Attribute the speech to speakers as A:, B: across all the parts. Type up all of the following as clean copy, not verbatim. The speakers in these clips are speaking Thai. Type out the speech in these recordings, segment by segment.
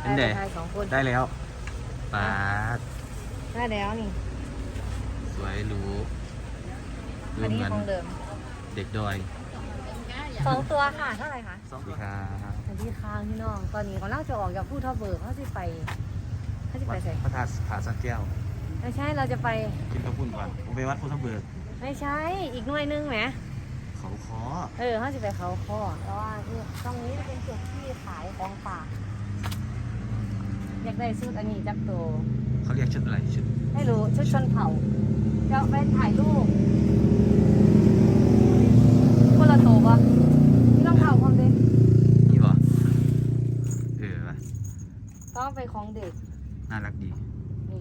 A: เป็นเด็กได้แล้วปาด
B: ได้แล้วนี่
A: สวยหรูดู
B: อัน
A: เห
B: นี้
A: มือน
B: ของเดิม
A: เด็กดอย
B: 2 ตัวค่ะเท่าไหร่คะ
A: สวัสดีครับ
B: สวัสดีค่ะพี่น้องตอนนี้กำลังจะออกจากผู้ทับเบิกเขาจะไป
A: วัด
B: ใส่
A: พระธาตุผาสักแก้ว
B: ไม่ใช่เราจะไป
A: กินข้าวปุ้นก่อนผมไปวัดพุทธเบิก
B: ไม่ใช่อีกหน่วยนึงไหม
A: เขาคอ
B: เขาจะไปเขาข้อแล้วว่าตรงนี้จะเป็นจุดที่ขายของฝากอยากได้ชุดอันนี้จักโต
A: เขาเรียกชุดอะไรชุด
B: ไม่รู้ชุดชนเผ่าจะไปถ่ายรูปคนละโตปะที่ต้องเผาความเด็ก
A: นี่บ่วะ
B: ต้องไปของเด็ก
A: น่ารักดี
B: นี่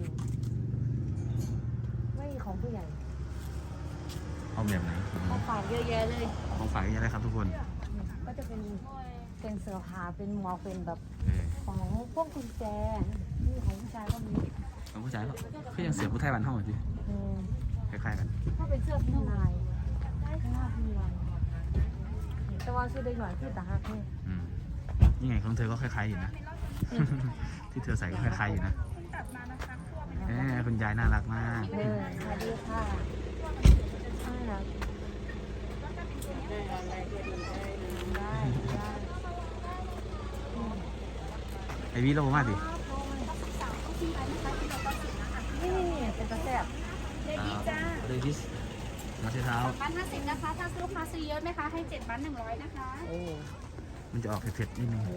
B: ไม่มีของผู้ใหญ่
A: เอาแบบไหน
B: ของฝากเยอะแยะเลย
A: ของฝากเยอะเลยครับทุกคน
B: ก็จะเป็นเสื้อผ้าเป็นหมวกเป็นแบบ
A: เออ
B: ของพวกกุญแจนี่ของผู้ชายก็มี
A: ของผู้ชายก็ยังเสียผู้ไทยบ้านห้องอยู่
B: อืม
A: คล้ายๆกัน
B: ถ้าเป็นเสื้อพิมพ์ลายข้างหน้าพิมพ์ลายแต่ว่าชื่อเด็กหน่อยคือตาฮักนี่
A: อืมนี่ไงของเธอก็คล้ายๆอยู่นะ ที่เธอใส่ก็คล้ายๆอยู่นะคุณยายน่ารักมาก
B: สวัสดีค่ะน่ารักได้
A: ไอวีเรามาดิ
B: นี่เป็นกระแสบ
C: เด็กดีจ้า
A: เดวิสมาเช้าเท้า
C: บ้าน50นะคะ ถ้าซื้อลูกค้าซื้อเยอะไหมคะ ให้7บ้าน100นะคะ
B: โอ้
A: มันจะออกเผ็ดๆนิดนึง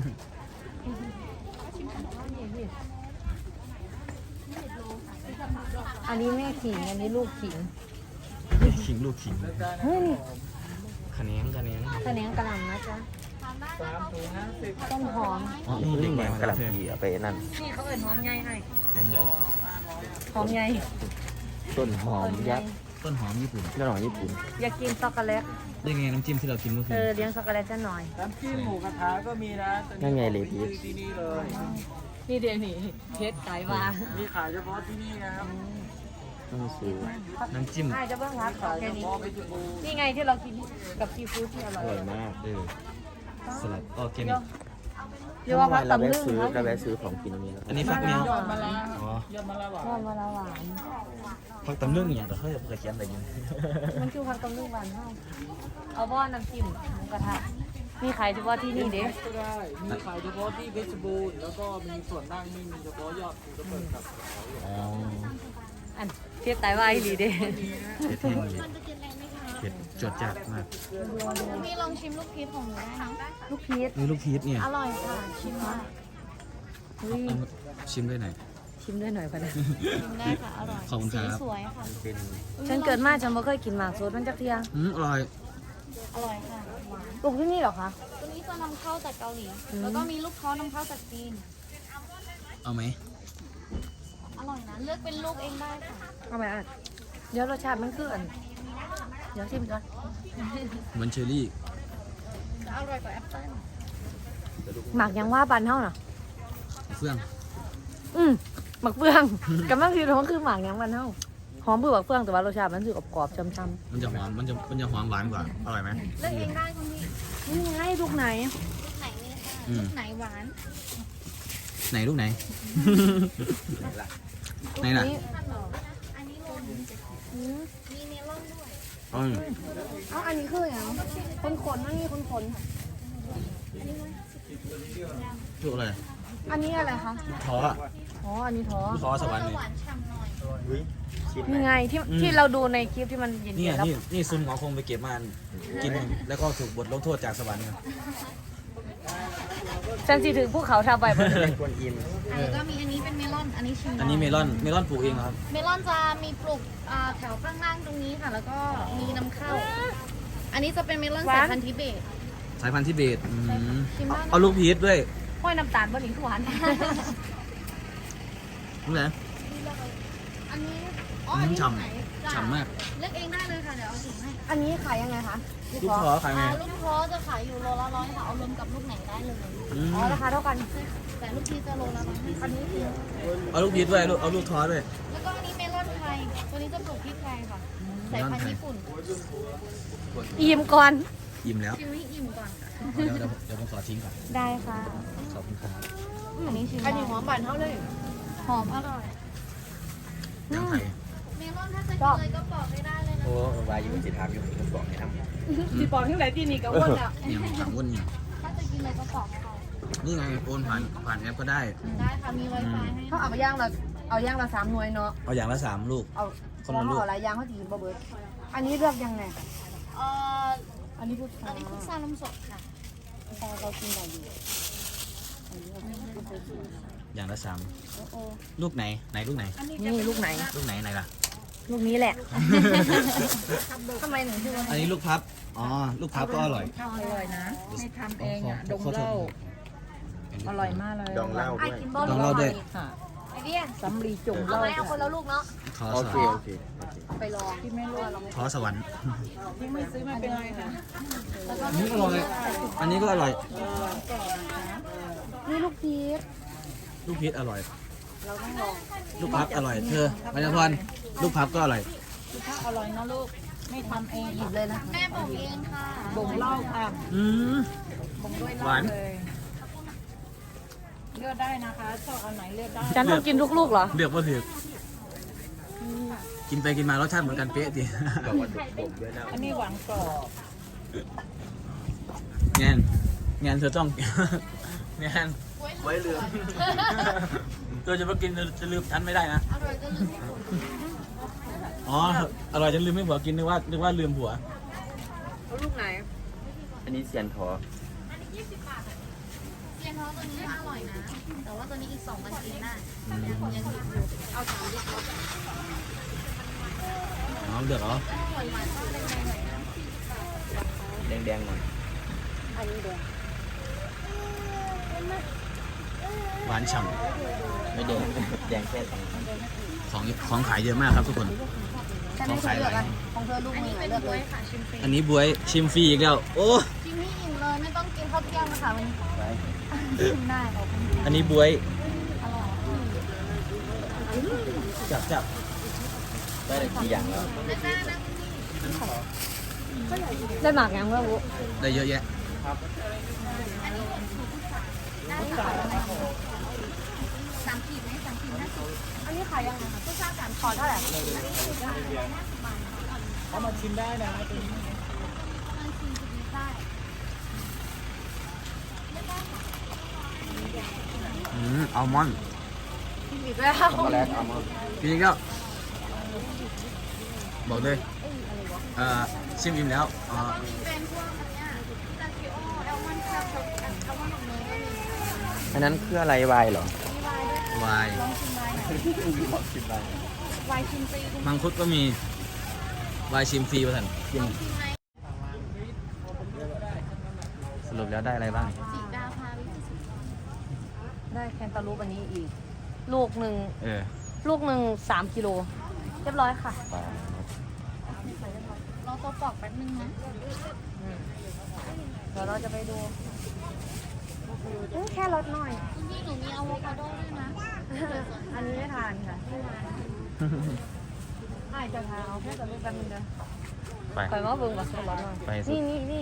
B: อันนี้แม่ขิง อันนี้ลูกขิง
A: ขิงลูกขิง
B: เฮ้ยนี่
A: ขะแนง
B: กระเนียงกระหล่ำนะจ๊ะต้นหอม
A: อ๋อนี่เด็กใหม่มาก
D: ระห
A: เธอ
D: ล่ำปีเอาไปนั่น
B: นี่เขาเอ่ยหอมใหญ่ให้
A: ต้นใหญ่
B: หอมใหญ่
D: ต้นหอมยักษ์
A: ต้นหอมญี่ปุ่น
D: ต้นหอมญี่ปุ่น
B: อยากกินช็อกโกแลต
A: ได้ไงน้ำจิ้มที่เรากินเมื่อคืน
B: เลี้ยงช็อกโกแลตจะหน่อย
E: น้ำจิ้มหมูกระทะก็มีนะ
D: นั่นไงเลยพีช
E: ที่นี่เลย
B: นี่เดี๋ยวนี่เพชรไก่มา
E: มีขายเฉพาะที่นี่นะครับ
D: ต้องซื้อ
A: น้ำจิ้ม
B: ใช่จะเพิ่งรับขอแค่นี้
E: พอไปจุบู
B: นี่ไงที่เรากินกับซีฟู้ดที่อร่
D: อ
B: อย
D: ร่อยมาก
A: สลัดออร์แกนิก
B: เรียกว่าพัก
D: เรา
B: ตำ
D: แวะ
B: ลึง
D: ซื้อ
B: เขา
D: เราแวะซื้อของกินตรงนี้แล้ว
A: อันนี้ฟักเนี้ย
E: ยอดมะระ
A: อ๋อย
E: อดมะระหวาน
B: ว่ามาละหวาน
A: ฟักตำลึงอย่างแต่เขาจะเขียนอะไรกิน
B: มันคือพักตำลึงหวานเท่าเอาบ้อนน้ำจิ้มหมูกระทะมีขายเฉพาะที่นี่เด้
E: ก็ได้ มีขายเฉพาะที่เพชรบูรณ์แล้วก็มีส่วนนั่งนี่มีเฉพาะยอดหมูระเบิดกับ
A: อ๋อ
B: อันเทียบไตวายหลีเด้
A: เผ็ดแห้งเลยเผ็ดจดจัดมาก
C: มีลองชิมลูกพีชของหนูได้นะ
B: ลูกพีช
A: นี่ลูกพีชเนี่ย
C: อร่อยค่ะ ชิมมา
B: เฮ้ย
A: เอาชิมได้หน่อย
B: ชิมด้วยหน่อยพอนะ
C: ชิมได้ค่ะ อร่อย
A: ขอบคุณครับ
C: สีสวยค่ะ
D: เป็น
B: ฉันเกิดมาฉันไม่เคยกินหมากสดมันจักเทีย
A: อร่อย
C: อร่อยค่ะ หวาน
B: ปลูกที่นี่เหรอคะ
C: ตัวนี้จะนำเข้าจากเกาหลี แล้วก็มีลูกท้อนำเข้าจากจีน
A: เอาไหม
C: อร่อยนะ เลือกเป็นลูกเองได้ค่ะ
B: เอาไปอ่ะเดี๋ยวรสชาติมันคืออันเดี๋ยวชิมก่อน
A: เหมือนเชอรี่
C: จะอร่อยกว่าแอปเปิ้ล
B: หมักยังว่าบันเท่าน่ะ
A: เฟื่อง
B: หมักเฟือง กำลังคิดว่าคือหมักยังบันเท่าหอมเบื่อหมักเฟืองแต่ว่ารสชาติมันคือกรอบๆช้ำ
A: มันจะหอมมันจะหอมหวานกว่าอร่อยไหม
C: เลือกเองได้คุณพี่
B: ๆนี่ไงลูกไหน
C: ลูกไหนนี่ค่ะ ลูกไหนหวาน
A: ไหนลูกไหน ไหนล่ะ
C: อันนี้โลนึง
B: อืม
C: มีเมลอนด้วย
A: อ๋อ
B: เอาอันนี้คืออย่างคนขนๆมันมีคนขน
A: ลูกอะไร
B: ๆอันนี้อะไรคะ
A: ท้อ
B: อ๋ออันนี้ท้อ
A: ลูกท้อสวรรค์
C: จะ
A: นี่
C: หวานฉ่ำหน่อย
D: ชิม
B: นี่ไงที่เราดูในคลิปที่มันเย็
A: นี่
B: นๆแล้ว
A: นี่ซุนหมอคงไปเก็บมากินแล้วก็ถูกบทลงโทษจากสวรรค์ไง
B: ฉันสิถึงภูเขาทาใบ
D: เป็นคนอิน
C: แล้วก็มีอันนี้เป็นเมลอน อันนี้ชิมได้
A: อันนี้เมลอนปลูกเองเหรอครับ
C: เมลอนจะมีปลูกแถวข้างล่างตรงนี้ค่ะ แล้วก็มีนำเข้า อันนี้จะเป็นเมลอนสายพันธุ์ทิเบต
A: สายพันธุ์ทิเบต
C: ชิมได้นะ
A: เอาลูกพีชด้วย
B: ห้อยน้ำตาลบนหนิงคือหวาน
A: นี่แหละ
C: อันนี้อ๋ออันนี้
A: ฉ่ำ
C: ไหนจ้ะ
A: ฉ่ำมาก
C: เลือกเองได้เลยค่ะ เดี๋ยวเอาถุงให้
B: อันนี้ขายยังไงคะ
A: ลูกท้อขายไง
C: ลูกท้อจะขายอยู่โลละ100ค่ะ เอารวมกับลูกไหนได้เลย
B: อ๋อราคาเท่ากัน
C: แต่ลูกทีจะโลละ150อันนี้คือ
A: เอาลูกพีชด้วยเอาลูกท้อด้วย
C: แล้วก็อันนี้เมลอนไทย ตัวนี้จะปลูกที่ไทยค่ะ สายพันธุ์ญี่ปุ่น
B: อิ่มก่อน
A: อิ่มแล้ว
C: ชิมให้อิ่มก่อนค่ะ
A: เดี๋ยวผมขอทิ้งก่อน
B: ได้ค่ะ
A: ขอบคุณครับ
B: อ
C: อันนี้ชิม
B: อันนี้หอมบานเท่าเลย
C: หอมอร่อย
A: ยำไทย
C: เมลอนถ้าจะกินเลยก็ปอกไม่ได้เลยนะ
D: โอ้วายอยู่จิตามอยู่ผมบอกให้ทำ
B: สีปอนที่ไหนที่นี่ก็อ้วนอ่ะ
A: เนี่ยถามวุ่นเนี่ย
C: ถ้าจะกินเลยก็ปอกให้เขา
A: นี่ไงโอนผ่านแอปก็ได้
C: ได้ค่ะมี Wi-Fi ให้
B: เขาเอาย่างละ3 หน่วยเนาะ
A: เอาอย่างละ3 ลูก
B: เอา
A: คนละลูก
B: เอาหลายอย่างเขาจะกินบ่เบิดอันนี้เลือกยังไง
C: เอ่อ
B: อันนี้พูด
C: อันนี้พุทรานมสดค่ะ
B: เรากินได้อยู่
A: อย่างละ3ลูกไหนลูกไหน
B: นี่ลูกไหน
A: ลูกไหนไหนล่ะ
B: ลูกนี้แหละทำไมหนูชื่อว่า
A: อันนี้ลูกพับอ๋อลูกพับก็อร่อย
E: อร่อยนะ ไม่ทำเองอ่ะ
A: ข
E: ดงเหล้าอร่อยมากเลย
D: ดองเหล้า
B: ไอ้
D: ด้วย
B: กินบ่
A: ลองเล่าด้วย
E: ค่ะ
B: ไอเดีย
E: สำลีจุ่มเห
B: เอา
E: ล้า
B: ไหมเอาคนละลูกเนาะ
A: ขอ
D: โอ
A: ส
D: เคว
A: รร
D: โอ
A: ค์
D: เค
B: ไปลอง
E: ที่ไม่รู้
A: ขอสวรรค์
E: ที่ไม่ซื้อมาเป็นไรค่ะ
A: อันนี้อร่อยอันนี้ก็อร่อย
B: นี่ลูกพีช
A: ลูกพีชอร่อย
B: เราต้องลอง
A: ลูกพับอร่อยเธอปัญญาพรลูกพับก็อร่อย
E: ถ้าอร่อยนะลูก ไม่ทำเอง
B: หยิบเลยนะ
C: แม่บอกเองค่ะ
E: บ่งเหล้าค่ะ
A: อืม
E: บ่งด้วยเห
A: หวา
E: ล้าน เลยเลือกได้นะคะชอบอันไหนเลือกได้
B: ฉันต้องกินทุกลูกเหรอ
A: เลือกว่าถือกินไปกินมารสชาติเหมือนกันเป๊ะดิ
D: บอกว่าดมด้วยนะ
E: อันนี้หวานกรอบ
A: งานเธอต้อง งาน
D: ไว้เรือ
A: เธอจะมากินเธอจะลืมฉันไม่ได้นะ
C: อร่อยจนลืมไม่ถูก
A: อ๋ออร่อยจนลืมไม่ผัวกินนึกว่าลืมผัว
B: เอาลูกไหน
D: อันนี้เซียนทอ
C: เซียนท้องตัวนี้อร่อยนะ แต่ว่าตัวนี้อีก2 วันกินได้
A: อืม
C: ยังดิบอยู่เอา3ดิบ
A: อ๋อเลือกเหรอ
C: หวานหวานๆชอบแดงๆหน่อยนะ
D: แดงๆหน่อย
B: อันนี้เดียว
A: หวานฉ่
D: ไม่แดงแดงแค่สอง
A: ำของขายเยอะมากครับทุกคน
B: ฉันให้เธอเลือกอันของเธอลูก
C: อัน
B: มื
C: นี้
B: อไหน
C: เป็น
B: เลือก
C: บ๊
B: เล
C: วย
B: ย
C: ค่ะชิมฟรี
A: อันนี้บวยชิมฟรีอีกแล้ว โอ้
C: ชิมให้อิ่มเลยไม่ต้องกินข้าวเที่ยงนะคะวันนี้
D: ไป
C: ชิมได้ขอบคุณค่ะ
A: อันนี้บวย
C: อร่อย
A: จับ
D: ได้เลยกี่อย่างแล้ว
C: แล้วจ้านะ
B: ได้หมากยังว่าวุ
A: ได้เยอะแยะ
C: ได้ค่ะ3 ขีดไหม3 ขีด50
B: อันนี้ขายยังไงคะผู้ชาย3ขอเท่าไหร่
E: เอามาชิมได้นะตัวนี้
C: มันชิมจุดนี้ได้
A: อัลมอนด์
B: กินอีกแล้ว
D: ช็อกโกแลตอัลมอนด์
A: กินอีกแล้วบอกเลยชิมอิ่มแล้ว
C: แล้วก็มีเป็นพวกอันเนี้ยพิตาชิโอแอลมอนด์ครับแอลมอนด์ของเนยก็มี
D: อันนั้นคืออะไรวายเหรอ
C: มีไวน์ด้วย
A: วาย
C: ลองชิมไวน์หน่อย
D: บอกชิมไป
C: ไวน์ชิมฟรีคุณ
A: มังคุดก็มีวายชิมฟรีป่ะท่าน
D: ชิม
C: ชิมไหม
A: สรุปแล้วได้อะไรบ้าง
C: สีดาพาวิธีสุด
B: ได้แคนตาลูปอันนี้อีก ลูกหนึ่ง
A: เออ
B: 3 กิโลเรียบร้อยค่ะ
C: รอตัวปอกแป๊บนึงนะ
B: เดี๋ยวเราจะไปดูแค่รสหน่อย
C: คุณพี่หนูมีอะโวคาโดด้วยนะ
B: อันนี้ไม่ทานค่ะให้จะทานเอาแค่จะรู้กันมันเด้อ
A: ไป
B: คอยว่าเบิ่งกับรสหน่อย
A: ไปสิ
B: นี่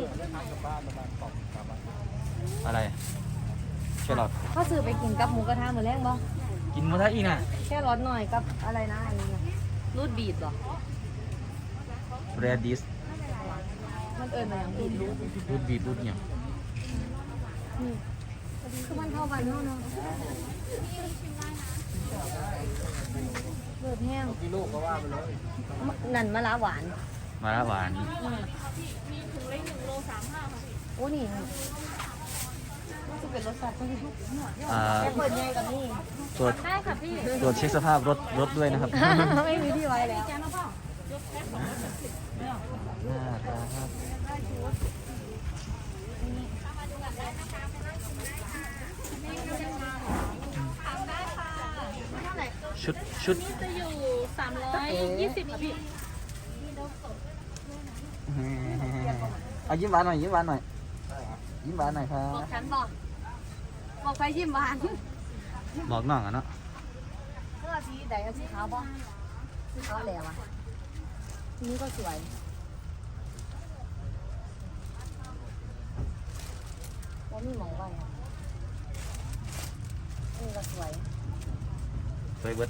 A: อะไรแครอท
B: เขาซื้อไปกินกับหมูกระทะเหมือนแรกบ่
A: กินหมาทะอีกน่ะ
B: แค่รสหน่อยกับอะไรนะอันนี้นะรูดบีดเหรอ
A: เรดดิส
B: มันเอิญมาอย่างบีดรูด
A: รูดบีดรูดเนี่ย
B: คือมันเท่ากันเท่าเนาะเลือดแห้ง
E: กิโลก็ว่าไปเลย
B: นั่นมะระหวาน
A: มาละหวาน
B: โอ้นี่มันจะเป็นรสชาติที่
A: อ่า
B: แค่เปิดใหญ่กับนี่
A: ตรวจ
B: ได้ค่ะพี่
A: ตรวจเช็คสภาพรถด้วยนะครับ
B: ไม่มีที่ไว้แล้ว
A: ชุด
C: จะอยู่320ค่ะพี่
A: เอายิ้มหวานหน่อยยิ้มหวานหน่อยยิ้มหวานหน่อยครับ
B: บอกฉันบอกไปชิมหวาน
A: บอกน้องอ่ะเนาะ
B: เสื้อสีใดเอาสีขาวบ่สีขาวแหลวอ่ะทีนี้ก็สวยว่ามีหมองไว้อะสวย
A: สวยเบิด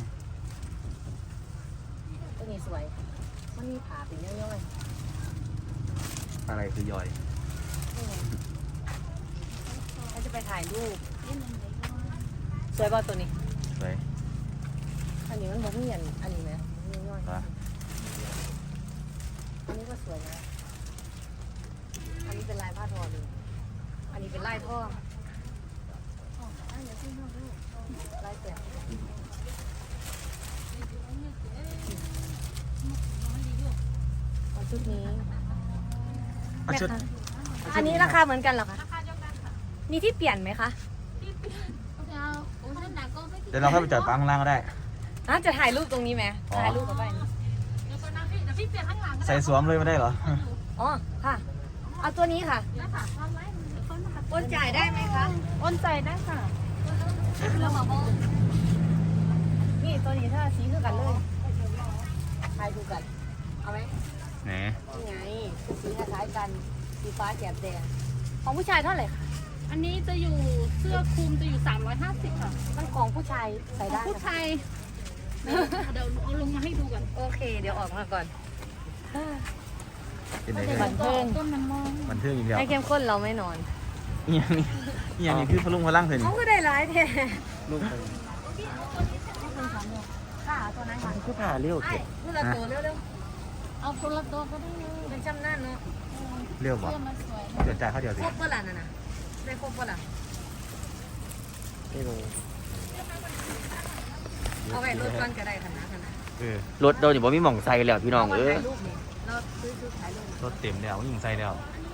B: ตัวนี้สวย มันมีขาเป็นย่อย
A: อะไรคือย่อย
B: ๆนี่ไงเราจะไปถ่ายรูปสวยป่ะตัวนี้
A: สวย
B: อันนี้มันบ่มีอันนี้ไหมมีย่อย
A: ปะ
B: อันนี้ก็สวยนะ อันนี้เป็นลายผ้าทอเลยอันนี้เป็นลายท่อลายแกะเอาชุดนี้
A: เอาชุด
B: อันนี้ราคาเหมือนกันเหรอคะ มีที่เปลี่ยนไหมคะ
A: เดี๋ยวเราเข้าไปจอดปั๊มข้างล่างก็ได้
B: จะถ่ายรูปตรงนี้ไหม
A: อ๋อ
B: ถ่ายรูปกับไป
A: ใส่สวมเลยไม่ได้เหรอ
B: อ๋อ ค่ะ เอาตัวนี้ค่ะโอนจ่ายได้ไหมคะ
C: โอนใจได้ค่ะ
B: นี่ตัวนี้ถ้าสีคือกันเลยถ่ายดูกัน เอาไหม
A: ไหน
B: นี่ไงสีคล้ายๆกัน สีฟ้าแกบแดง ของผู้ชายเท่าไหร่คะ
C: อันนี้จะอยู่เสื้อคลุมจะอยู่350ค่ะ
B: มันของผู้ชายใส่ได้
C: ผู้
B: นะคะ
C: ชายเดี๋ยวเอาลงมาให้ดูก่อน
B: โอเค เดี๋ยวออกมาก่อน
A: เป็นไง
B: บันเทิง
C: ต้นมันมอง
A: บันเทิงอีกแล้ว
B: ให้เข้มข้นเราไม่นอน
A: นี่ยังนี่ยังนี่คือพลุงพลังเถอะนี่
B: เขาก็ได้ร้ายแท้
E: ลูกไป
B: ค่ะตัวนั้นค่ะ
E: คือผ่าเลี้ยว
B: ไอ้
E: เก็บ
B: เมื่อเราตัวเร็ว
C: เอาคนละตัวก็ได้เลย
B: ๆเป็นจำนั่นเนาะ
A: เรียวบ่
C: เสื้อมันสวย
A: เดี๋ยวจ่ายเขาเดียวสิ
B: ครบเปล่าน่ะนะได้ครบเปล่า
E: ไม่รู้
B: เอาไว้รถก่อนก็ได้ค่ะนะ
D: รถโดนอยู่บ่มีหม่องใส่แล้วพี่น้อง
B: ถ่ายรูปนี่เราซื้อถ่ายรูป
A: รถเต็มแล้วยิงใส่แล้ว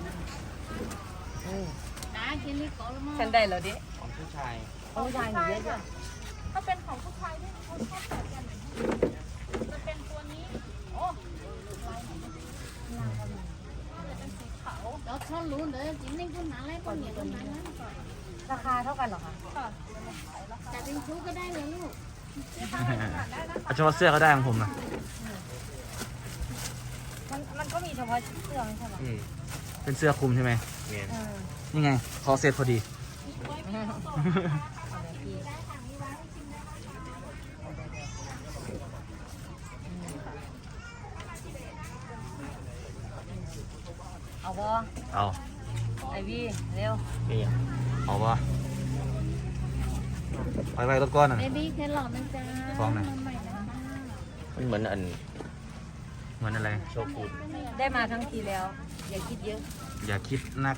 C: นะกินลิโก้แล้วมั้ง
B: ฉันได้แล้วดิ
D: ของผู้ชาย
B: ของผู้ชายหนูเยอะจ้ะ
C: ถ้าเป็นของผู้ชายที่เขาชอบแบบกันจะเป็นตัวนี้ โอ้ลายไหนน่าจะเป็นสีขาวแล้วชอบรู้เลยจริงนี่คุณหนาอะไรคนเหนียวคนนั้นนะ
B: ราคาเท่ากันเหรอคะ
C: แต่เป็นชุดก็ได้เลยลูก
A: เอาเฉพาะเสื้อก็ได้ของผมนะ
B: มันก็มีเฉพาะเสื้อใช่ไหม
A: เป็นเสื้อคลุมใช่ไหม
D: เนี่ย
A: นี่ไงคอเซ็ตพอดี
B: เอาบอ
A: เอา
B: ไอวี่เร็ว
D: นี่
A: เอาปะไปรถก้อนน่ะ
C: เบบี้แครอทนะจ๊ะ
A: ฟ้องหน่อย
C: ใหม่นะ
D: มันเหมือนอัน
A: เหมือนอะไร
D: โชกุน
B: ได้มาทั้งทีแล้ว อย่าคิดเยอะ
A: อย่าคิดนัก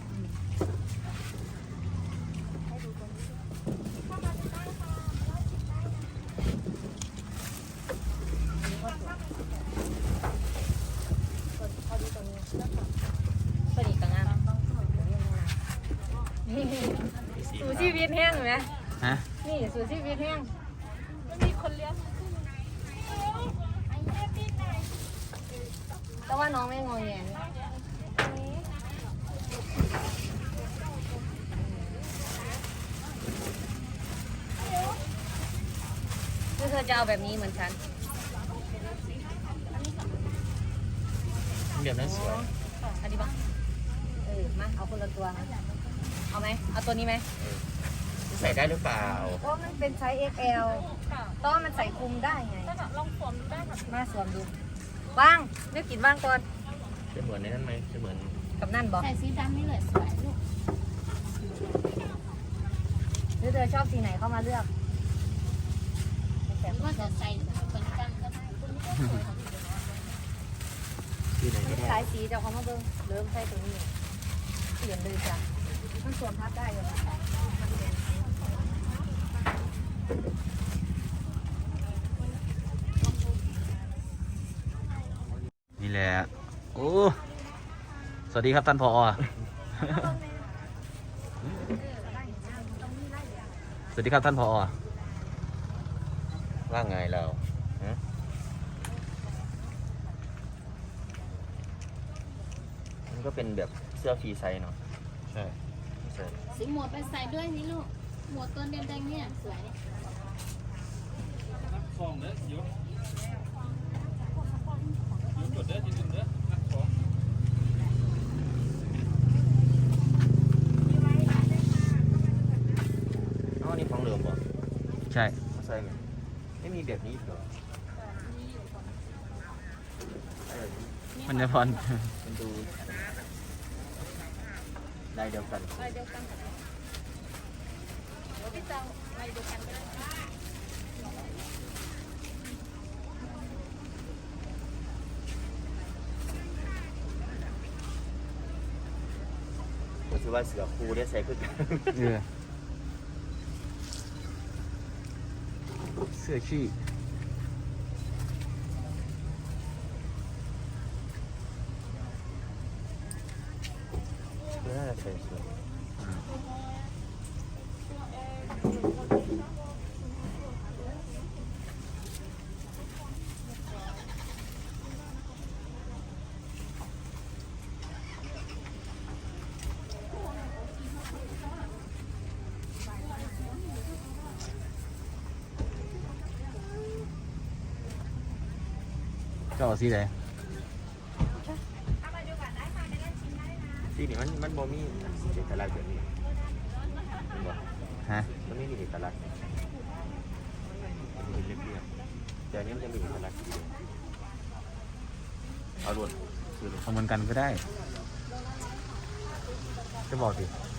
B: พอดีตัวนี้พอดีกับงานนี่สู่ชีวิตแห้งไหม
A: ฮะ
B: นี่สู่ชีวิตแห้ง
C: มันมีคนเลี้ยง
B: แต่ว่าน้องไม่งอแงคือเธอจะเอาแบบนี้เหมือนฉัน
D: แบบนั้นสวย
B: อันนี้ปะมาเอาคนละตัวนะเอาไหมเอาตัวนี้ไหม
D: ใส่ได้หรือเปล่า
B: เพราะมันเป็นไซส์ XL ต้องมันใส่คลุมได้ไง
C: ลองสวมดูได้ค่ะ
B: มาสวมดูว่างนึกกินว่างก่อน
D: จะเหมือนในนั้นไหมจะเหมือน
B: กับนั่นบอก
C: ใส่สีดำนี่เลยสวยลูก
B: หรือเธอชอบสีไหนเข้ามาเลือก
C: หรือว่าจะใส่เหมือนกันก็ได้คุณนี่ก็สวยค่ะ
D: ที่ไหนก็ได้
B: สายสีจะเอาเขามาเบิ้งเริ่มใส่ตัวนี้เปลี่ยนเลยจ้ะมันสวมพับได้อยู่
A: นี่แหละโอ้สวัสดีครับท่านผอ สวัสดีครับท่านผอ
D: ว่าไงเราฮะมันก็เป็นแบบเสื้อฟรีไซส์เนาะ
A: ใช่
D: ใช่
C: สีหมวดไปใส่ด้วยนี่ลูก หมวดตัวแดงๆเนี่ยสวย
E: ของเด้อยศยศเด้อจินเด้อนักของ
D: อ๋อนี่ของเหลือมบ่
A: ใช่
D: ใช่ไหมไม่มีแบบนี้เหรอเออ
A: มันจะพร
D: มันดูลายเดียวกัน
C: ลายเดียวกันพี่จะลายเดียวกันก็ได้
D: ผมคิดว่าเสือคูได้ใส่ขึ้น
A: เสื้อขี้
D: น่าจะใส่สวย
A: เจ้าเอาสีไหน
D: ที่นี่มันโมมี่เอกลักษณ์แบบนี้มันบอก
A: ฮะ
D: มันไม่มีเอกลักษณ์มันเป็นเรียบๆแต่อันนี้มันจะมีเอกลักษณ์ทีเดียวเอาล้วนคือ
A: เอาเหมือนกันก็ได้ จะบอกดิ